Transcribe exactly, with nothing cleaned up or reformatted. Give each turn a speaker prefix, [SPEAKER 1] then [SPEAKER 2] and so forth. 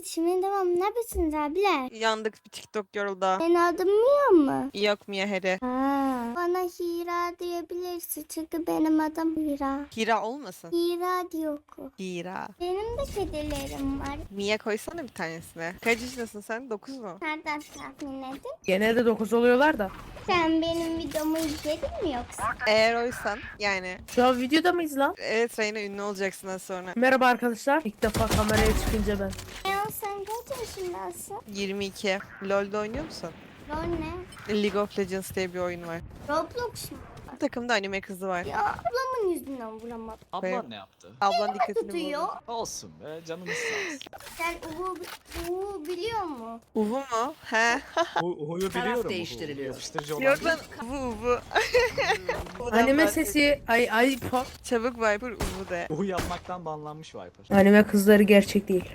[SPEAKER 1] şimdi devam. Ne yapıyorsunuz abiler?
[SPEAKER 2] Yandık bir TikTok yoruldu.
[SPEAKER 1] Senin adın Mia mı?
[SPEAKER 2] Yok Mia Heri.
[SPEAKER 1] Ha. Bana Hira diyebilirsin çünkü benim adım Hira.
[SPEAKER 2] Hira olmasın?
[SPEAKER 1] Hira diyor ku.
[SPEAKER 2] Hira.
[SPEAKER 1] Benim de kedilerim var.
[SPEAKER 2] Mia koysana bir tanesine. Kaç yaşındasın sen? dokuz mu?
[SPEAKER 1] Nereden tahmin edin?
[SPEAKER 3] Genelde dokuz oluyorlar da.
[SPEAKER 1] Sen benim videomu izledin mi yoksa?
[SPEAKER 2] Eğer oysan yani.
[SPEAKER 3] Şu an videoda mıyız lan?
[SPEAKER 2] Evet Reyna ünlü olacaksın az sonra.
[SPEAKER 3] Merhaba arkadaşlar. İlk defa kameraya çıkınca ben.
[SPEAKER 1] Leon sen kaç yaşındasın?
[SPEAKER 2] yirmi iki. LoL'de oynuyor musun?
[SPEAKER 1] Lol ne?
[SPEAKER 2] League of Legends diye bir oyun var.
[SPEAKER 1] Roblox mu?
[SPEAKER 2] Bu takımda anime kızı var.
[SPEAKER 1] Ya ablamın yüzünden vuramadım.
[SPEAKER 2] Koyayım.
[SPEAKER 4] Ablan ne yaptı?
[SPEAKER 2] Ablan dikkatini
[SPEAKER 1] Tutuyor.
[SPEAKER 2] buldu.
[SPEAKER 4] Olsun be canımız sağ olsun.
[SPEAKER 1] Sen Uğur, Uğur biliyor mu?
[SPEAKER 2] Uvu mu? He.
[SPEAKER 4] Hu- Huyu
[SPEAKER 5] Taraf
[SPEAKER 4] biliyorum.
[SPEAKER 5] değiştiriliyor.
[SPEAKER 4] Yapıştırıcı olan
[SPEAKER 2] Yok
[SPEAKER 4] değil.
[SPEAKER 2] lan Uvu Uvu. Uvu'dan
[SPEAKER 3] Anime
[SPEAKER 2] bahset.
[SPEAKER 3] sesi ay ay pa-
[SPEAKER 2] Çabuk Viper Uvu de.
[SPEAKER 4] Uhu yapmaktan banlanmış Viper.
[SPEAKER 3] Anime kızları gerçek değil.